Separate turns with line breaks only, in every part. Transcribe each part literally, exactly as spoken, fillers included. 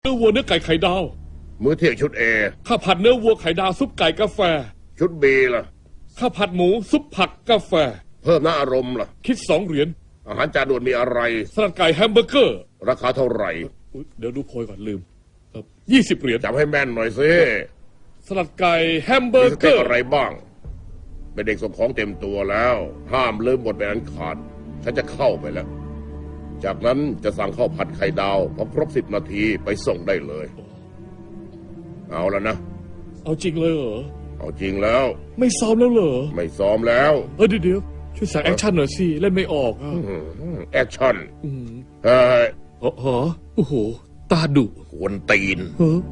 เนื้อวัวเนื้อไก่ไข่ดาว
มื้อเที่ยงชุดเอ
ข้าวผัดเนื้อวัวไข่ดาวซุปไก่กาแฟ
ชุดบีล่ะ
ข้าวผัดหมูซุปผักกาแฟ
เพิ่มน้ำอารมณ์ล่ะ
คิดสองเหรียญ
อาหารจานด่วนมีอะไร
สลัดไก่แฮมเบอร์เกอร์
ราคาเท่าไหร่
เดี๋ยวดูโพยก่อนลืมยี่สิบเหรียญ
จำให้แม่นหน่อยสิ
สลัดไก่แฮมเบอร์เกอร์
อะไรบ้างเป็นเด็กส่งของเต็มตัวแล้วห้ามลืมบทเป็นอันขาดฉันจะเข้าไปแล้วจากนั้นจะสั่งข้าวผัดไข่ดาวพอครบสิบนาทีไปส่งได้เลยเอาแล้วนะ
เอาจริงเลยเหรอ
เอาจริงแล้ว
ไม่ซ้อมแล้วเหรอ
ไม่ซ้อมแล้ว
เออเดี๋ยวช่วยสั่งแอคชั่นหน่อยสิเล่นไม่ออกอ่ะ
แอคชั่น
เฮ้ยอ๋อโอ้โหตาดุ
กวนตีน
เฮ้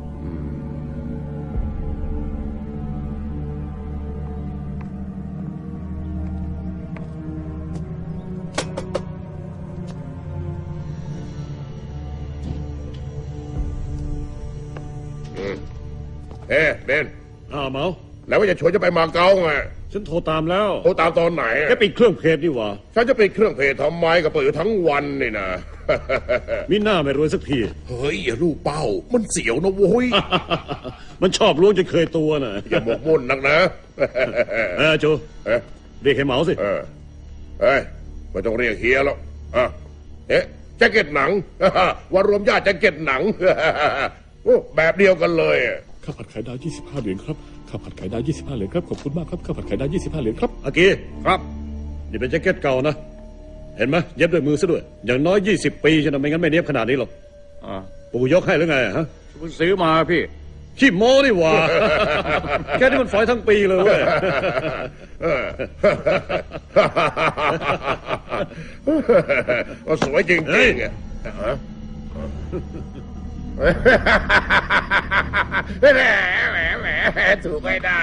เฮ้เบน
อ้าวเมา
แล้วว่าจะชวนจะไปมาเก๊าไง
ฉันโทรตามแล้ว
โทรตามตอนไหน
แกปิดเครื่องเพจดีวะ
ฉันจะปิดเครื่องเพจทำไมก็เปิดอยู่ทั้งวันนี่นะ
มิน่าไม่รวยสักที
เฮ้ยอย่าลูกเป้ามันเสียวนะโว้ย
มันชอบล้วงจนเคยตัวน่ะ
อย่าหมกมุ่นนักนะ
เออโจเรียกให้เมาสิ
เออเฮ้ยไม่ต้องเรียกเฮียแล้วอ่ะเอ๊ะแจ็คเก็ตหนังวันรวมญาติแจ็คเก็ตหนังโอ้แบบเดียวกันเลย
ข้าวผัดไข่ดาวยี่สิบห้าเหรียญครับข้าวผัดไข่ดาวยี่สิบห้าเหรียญครับขอบคุณมากครับข้าวผัดไข่ดาวยี่สิบห้าเหรียญครับ
อากีครับนี่เป็นแจ็คเก็ตเก่านะเห็นไหมเย็บด้วยมือซะด้วยอย่างน้อยยี่สิบปีจะทำไม่งั้นไม่เนียบขนาดนี้หรอกปู่ยกให้หรือไงฮะ
ซื้อมาพี่
ขี้โม้นี่หว่าแค่นี้มันฝอยทั้งปีเลยเว้ย
ก็สวยจริงๆอ่ะแหมแหมแหมถูกไม่ได้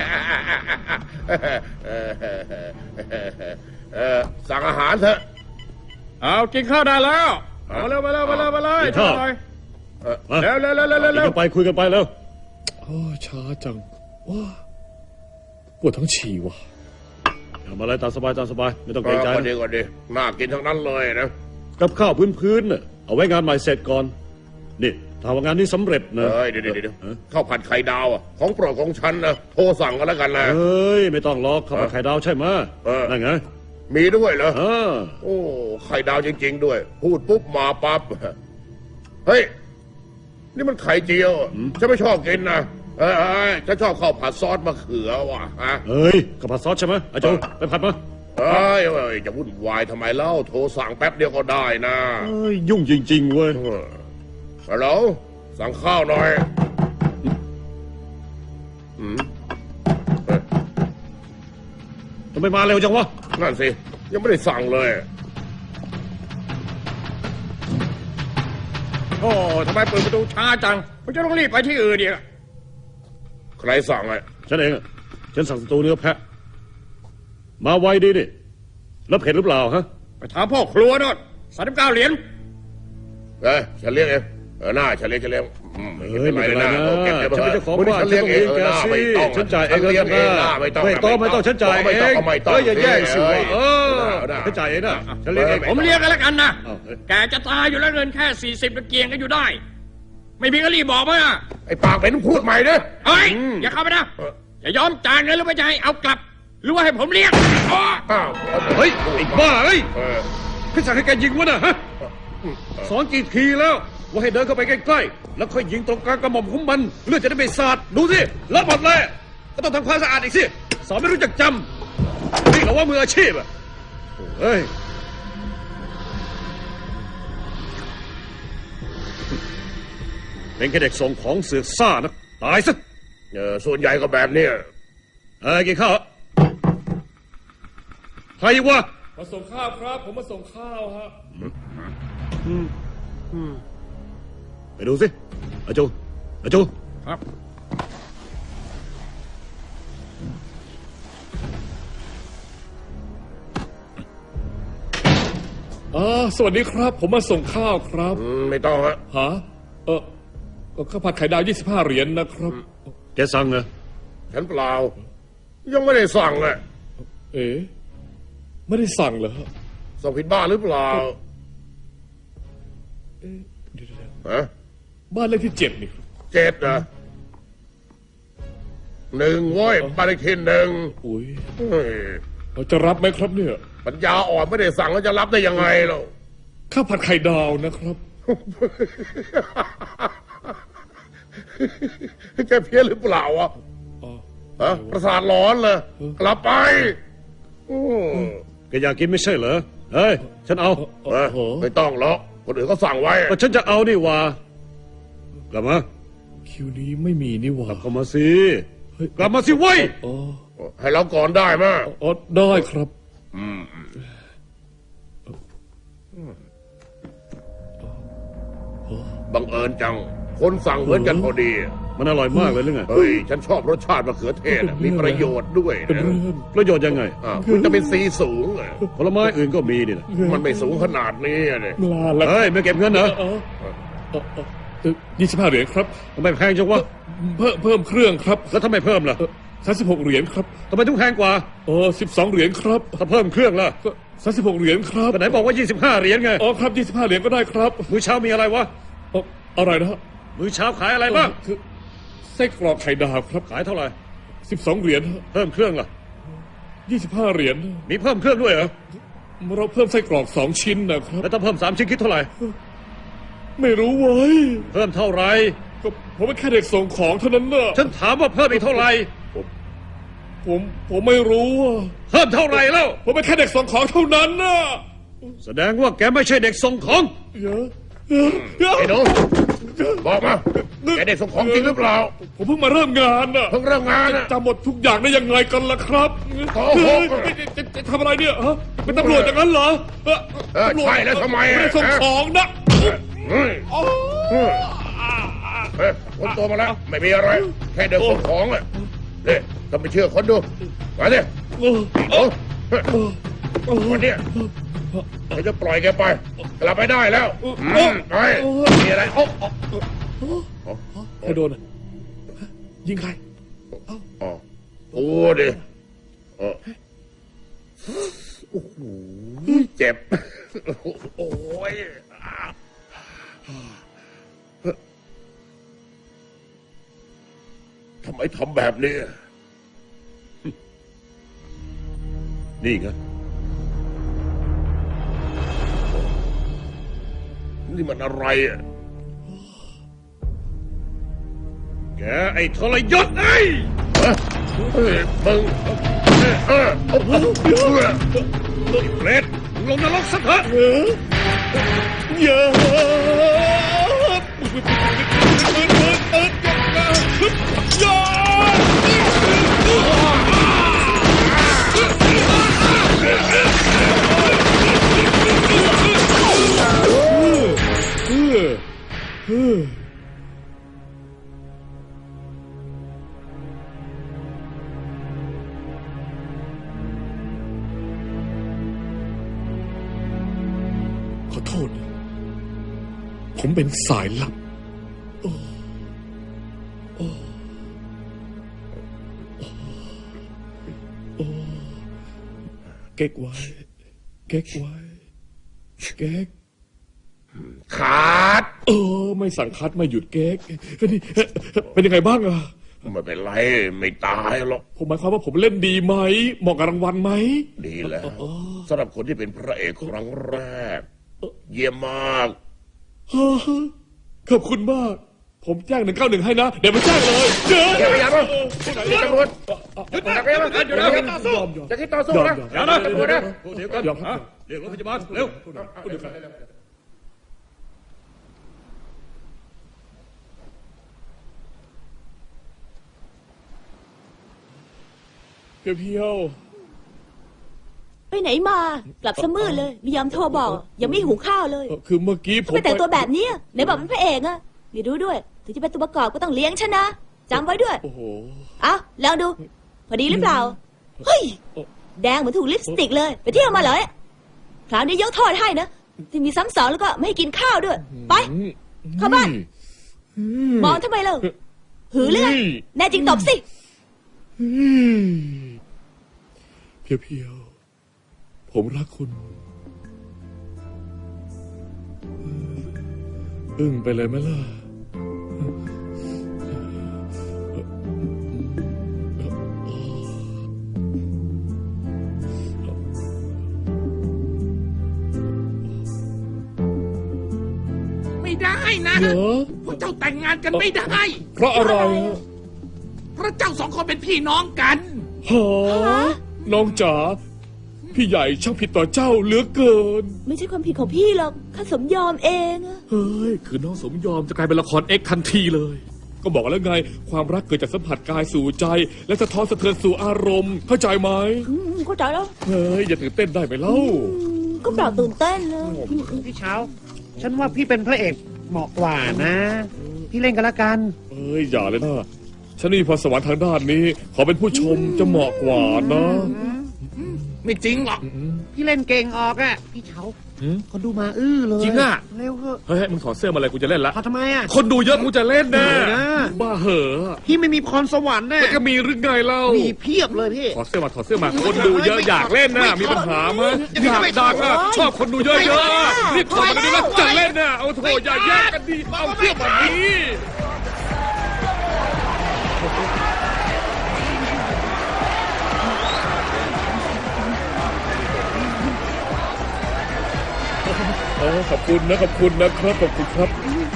สั่งอาหารเถอะ
เอากินข้าวได้แล้วมาเร็วมาเร็วมาเร็วมาเลย
ช่
วยเร็วเร็วเร็วเร็วเร็ว
ไปคุยกันไปแล้ว
โอ้ช้าจังว้าปวดท้องฉี่ว่ะ
ทำอะไรตามสบายตามสบายไม่ต้องเกรงใจ
ก่อนดีก่อนดีน่ากินทั้งนั้นเลยนะ
กับข้าวพื้นๆน่ะเอาไว้งานใหม่เสร็จก่อนนี่ถ้าว่างานนี้สำเร็จนะ
เฮ้ยเดี๋ยวเดี๋ยวข้าวผัดไข่ดาวอ่ะของโปรดของฉันนะโทรสั่งกันแล้วกันนะ
เฮ้ยไม่ต้องรอข้าวผัดไข่ดาวใช่ไหมนั่นไง
มีด้วยเหรอโอ้ไข่ดาวจริงๆด้วยพูดปุ๊บมาปั๊บเฮ้ยนี่มันไข่เจียวฉันไม่ชอบกินนะเอ้ยฉันชอบข้าวผัดซอสมะเขือว่ะฮะ
เฮ้ยข้าวผัดซอสใช่ไหมอาจารย์ไปผัดมา
เฮ้ยจะวุ่นวายทำไมเล่าโทรสั่งแป๊บเดียวก็ได้นะ
เฮ้ยยุ่งจริงๆเว้ย
ฮัลโหลสั่งข้าวหน่อย
ทำไมมาเร็วจังวะ
นั่นสิยังไม่ได้สั่งเลย
โอ้ทำไมเปิดประตูช้าจังมันจะต้องรีบไปที่อื่นดิ
ใครสั่งไง
ฉันเองฉันสั่งสตูเนื้อแพะมาไวดีดิแล้วเผ็ดหรือเปล่าฮะ
ไปถามพ่อครัวนู่นสามสิบเก้าเหรียญ
เอ้ยฉันเลี้ยงเองเออหน้าฉันเลี้ยงฉันเลี้ยง
ไม่เป็นไรนะฉันเป็นเจ้าของบ้านฉันต้องเลี้ยงแกสิฉันจ่ายเองเลยนะไม่ต้องไม่ต้องไม่ต้องฉันจ่ายเองเฮ้ยอย่าแย่งสิเออฉันจ่ายเองนะฉันเลี้ยงเอง
ผมเลี้ยงกันแล้วกันนะแกจะตายอยู่แล้วเงินแค่สี่สิบตะเกียงก็อยู่ได้ไม่มีก็รีบบอกมา
ไอ้ปากเป็นพูดใหม่เด้อ
เฮ้ยอย่าเข้าไปนะอย่ายอมจ่ายเงินหรือไม่จ่ายเอากลับหรือว่าให้ผมเลี้ยง
เฮ้ยไอ้บ้าเฮ้ยพี่สั่งให้แกยิงวะนะฮะสอนกี่ทีแล้วว่าให้เดินเข้าไปใกล้ๆแล้วค่อยยิงตรงกลางกระหม่อมของมันเลือดจะได้ไม่สาดดูสิรับหมดเลยก็ต้องทำความสะอาดอีกสิสอนไม่รู้จักจำนี่เหรอว่ามืออาชีพอ่ะเฮ้ยเป็นแค่เด็กส่งของเสือกซ่านะตายซะ
เออส่วนใหญ่ก็แบบนี้
เอ้ยกินข้าวใครวะ
มาส่งข้าวครับผมมาส่งข้าวฮะ
ไปดูสิอาจูอาจู
ครับ
อ๋อสวัสดีครับผมมาส่งข้าวครับ
ไม่ต้องฮะ
ฮะเออข้าวผัดไข่ดาวยี่สิบห้าเหรียญนะครับ
แกสั่งเหรอ
ฉันเปล่ายังไม่ได้สั่งเลย
เอ๋ไม่ได้สั่งเหรอ
สั่งผิดบ้านหรือเปล่าฮะ
บ้านเลขที่เจ็ดนี่ครับ
เจ็ดนะหนึ่งโว้ยบ้านเลขที่หนึ่ง
อุ้ย
เฮ้ย
เราจะรับไหมครับเนี่ย
ปัญญาอ่อนไม่ได้สั่งแล้วจะรับได้ยังไงเรา
ข้าวผัดไข่ดาวนะครับ
แกเพี้ยนหรือเปล่าวะ
อ๋อ
ฮะประสาทร้อนเลยกลับไปอืม
แกอยากกินไม่ใช่เหรอ เฮ้ย ฉันเอา
เอ้ยไม่ต้องหรอกคนอื่นเขาสั่งไว้
ก็ฉันจะเอานี่หว่า กลับมา
คิวนี้ไม่มีนี่หว่า
กลับเข้ามาสิ
เฮ้ย
กลับมาสิเว้ย
อ๋อ
ให้เราก่อนได้ไหม
อ๋อได้ครับ
บังเอิญจัง คนสั่งเหมือนกันพอดี
มันอร่อยมากเลยหรือไง
เฮ้ย ฉันชอบรสชาติมะเขือเทศอะมีประโยชน์ด้วย
เป็น
นะ
เรื่อง
ประโยชน์ยังไง
อ่าวิตามินซีสูงอะ
ผลไม้อื่นก็มีนี่นะ
มันไม่สูงขนาดนี้อะเนี่ย
ลาละ
เฮ้ย ไม่เก็บเงินเหรอ
เออเออเออยี่สิบห้าเหรียญครับ
ทำไมแพงจังวะ
เพิ่มเพิ่มเครื่องครับ
แล้วทำไมเพิ่มล่ะ
สามสิบหกเหรียญครับ
ทำไมต้องแพงกว่า
เออสิบสองเหรียญครับ
ถ้าเพิ่มเครื่องล่ะ
ก็สามสิบหกเหรียญครับ
ก็ไหนบอกว่ายี่สิบห้าเหรียญไง
อ๋อครับยี่สิบห้าเหรียญก็ได้ครับ
มื้อเช้ามีอะไรวะ
อ๋ออะไรนะฮะ
มื้อเช้าขายอะไรบ้าง
คือไส้กรอกไข่ดาวครับ
ขายเท่าไหร่
สิบสองเหรียญ
เพิ่มเครื่องล่ะ
ยี่สิบห้าเหรียญ
มีเพิ่มเครื่องด้วยเหรอ
เราเพิ่มไส้กรอกสองชิ้นนะครับ
แล้วถ้าเพิ่มสามชิ้นคิดเท่าไหร่
ไม่รู้เว้ย
เพิ่มเท่าไหร่
ก็ผมเป็นแค่เด็กส่งของเท่านั้นน่ะ
ฉันถามว่าเพิ่มอีกเท่าไหร่
ผมผมไม่รู้อะ
เพิ่มเท่าไหร่แล้ว
ผมเป็นแค่เด็กส่งของเท่านั้นน่ะ
แสดงว่าแกไม่ใช่เด็กส่งของ
เยอะเยอะเยอะ
ไอ้หนูบอกมาแกได้ส่งของจริงหรือเปล่า
ผมเพิ่งมาเริ่มงานน่ะ
เพิ่งเริ่มงานอะ
จำหมดทุกอย่างได้ยังไงกันล่ะครับ
โอ้โห
เฮ้ยจะจะจะทำอะไรเนี่ยฮะเป็นตำรวจอย่างนั้นเหรอเออ
เออ
ตำรจ
ใช่แล้วทำไมอะ
ไม่ได้ส่งของนะ
เฮ้ย
โอ้
เฮ้ยคนตัวมาแล้ว ไม่มีอะไร แค่เดินส่งของอะเนี่ยถ้าไม่เชื่อคนดูมาดิ
โอ้
โอ้เฮ้ย
โอ้โอ้
วันเนี้ยเราจะปล่อยแกไป กลับไปได้แล้วอืมไปมีอะไรโอ้โอ้
ใครโดนอ่ะฮะยิงใคร
อ๋อโอ้ดิเออโอ้โหเจ็บ โอ้ยทำไมทำแบบนี้
นี่ไง
นี่มันอะไรอ่ะ
แกไอ้ทรยศไอ้ย
เฮ้ยมึงเออเออโอ้โห
ไอ้เปรตมึงลงนรกซะเถอะ
เออเยอะขอโทษนะผมเป็นสายลับโอ้โอ้โอ้เก๊กไว้ เก๊กไว้ เก๊ก
ขาด
เออ ไม่สั่งคัดไม่หยุดเก๊กเฮ้ยนี่เป็นยังไงบ้างอะ
ไม่เป็นไร ไม่ตายหรอก
ผมหมายความว่าผมเล่นดีไหมเหมาะกับรางวัลไหม
ดีแล้วสำหรับคนที่เป็นพระเอกครั้งแรก เยี่ยมมาก
ฮ่าฮ่าขอบคุณมาก ผมแจ้งหนึ่งเก้าหนึ่งให้นะ เดี๋ยวมาแจ้งเลยเจอ
อย่าไปอย่าไป
เดี๋ยว
ตำรวจ
หยุด
อย่าไปอย่าไปอย่าไปต่อสู้
ยอมยอม
อย่าคิดต่อสู้นะ
อย่านะ
ตำรวจนะ
พวกเดียวกัน
ยอมครับ
ฮะเรียกรถพยาบาลเร็ว
เพียวเพียว
ไปไหนมา กลับซะมืดเลยไม่ยอมโทรบอก ยังไม่หุงข้าวเลย
เอ่อคือเมื่อกี้ผม
ไปแต่งตัวแบบนี้ไหนบอกเป็นพระเอกอะนี่ดูด้วย ถึงจะเป็นตัวประกอบก็ต้องเลี้ยงฉันนะจำไว้ด้วย
โอ้โห
เอาลองดู พอดีหรือเปล่า เฮ้ย แดงเหมือนถูกลิปสติกเลย ไปเที่ยวมาเหรอเนี่ยคราวนี้ยกโทษให้นะ ที่มีซ้ำสองแล้วก็ไม่ให้กินข้าวด้วย ไป เข้าบ้าน มองทำไมเล่าหือเลื่อยแน่จริงตบสิ
เพียวเพียวผมรักคุณอึ้งไปเลยไหมล่ะ
ให้นะ
เหรอ
พวกเจ้าแต่งงานกันไม่ได้
เพราะอะไรฮะ
เพราะเจ้าสองคนเป็นพี่น้องกัน
ฮะน้องจ๋าพี่ใหญ่ช่างผิดต่อเจ้าเหลือเกิน
ไม่ใช่ความผิดของพี่หรอกข้าสมยอมเองอะ
เฮ้ย คือน้องสมยอมจะกลายเป็นละครเอ็กซ์ทันทีเลย ก็บอกแล้วไง ความรักเกิดจากสัมผัสกายสู่ใจ และสะท้อนสะเทือนสู่อารมณ์ เข้าใจไหม
อืมเข้าใจแล้ว
เฮ้ย อย่าตื่นเต้นได้ไหมเล่า
อืมก็เปล่าตื่นเต้นเลย
พี่เช้า ฉันว่าพี่เป็นพระเอกเหมาะกว่านะ พี่เล่นกันละกัน
เอ้ย อย่าเลยนะ ฉันนี่พรสวรรค์ทางด้านนี้ ขอเป็นผู้ชมจะเหมาะกว่านะ
ไม่จริงหรอก
พี่เล่นเก่งออกอะพี่เช้า
หืม
คนดูมาอื้อเลย
จริงอะ
เร็วเถอะ
เฮ้ย มึงถอดเสื้อมาเลยกูจะเล่นละ
เอาทำไมอะ
คนดูเยอะกูจะเล่นแน่
เออ
บ้าเหอะ
พี่ไม่มีพรสวรรค์แน่
แล้วก็มีหรือไงเล่า
มีเพียบเลยพี่
ถอดเสื้อมาถอดเสื้อมา คนดูเยอะอยากเล่นนะมีปัญหาไหมอยากดังอะชอบคนดูเยอะๆรีบถอดมาดูนะจะเล่นนะเอาโถอย่าแยกกันดิเอาเสื้อมานี้โอ้ขอบคุณนะขอบคุณนะครับขอบคุณครับ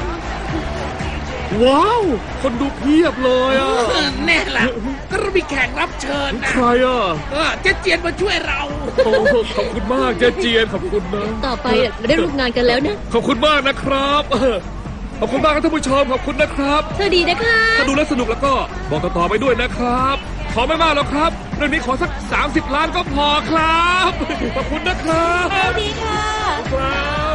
ว้าว คนดูเพียบเลยอ่ะ
แน่ละก็เรามีแขกรับเชิญนะ
ใครอ่ะ
เออเจ๊เจียนมาช่วยเรา
โอ้ขอบคุณมากเจ๊เจียนขอบคุณนะ
ต่อไปเราได้ร่วมงานกันแล้วนะ
ขอบคุณมากนะครับเออขอบคุณมากครับท่านผู้ชมขอบคุณนะครับ
สวัสดีนะคะ
ถ้าดูแล้วสนุกแล้วก็บอกต่อๆไปด้วยนะครับ ขอไม่มากหรอกครับเรื่องนี้ขอสักสามสิบล้านก็พอครับ ขอบคุณนะครับ
สวัสดีค่ะ
ครับ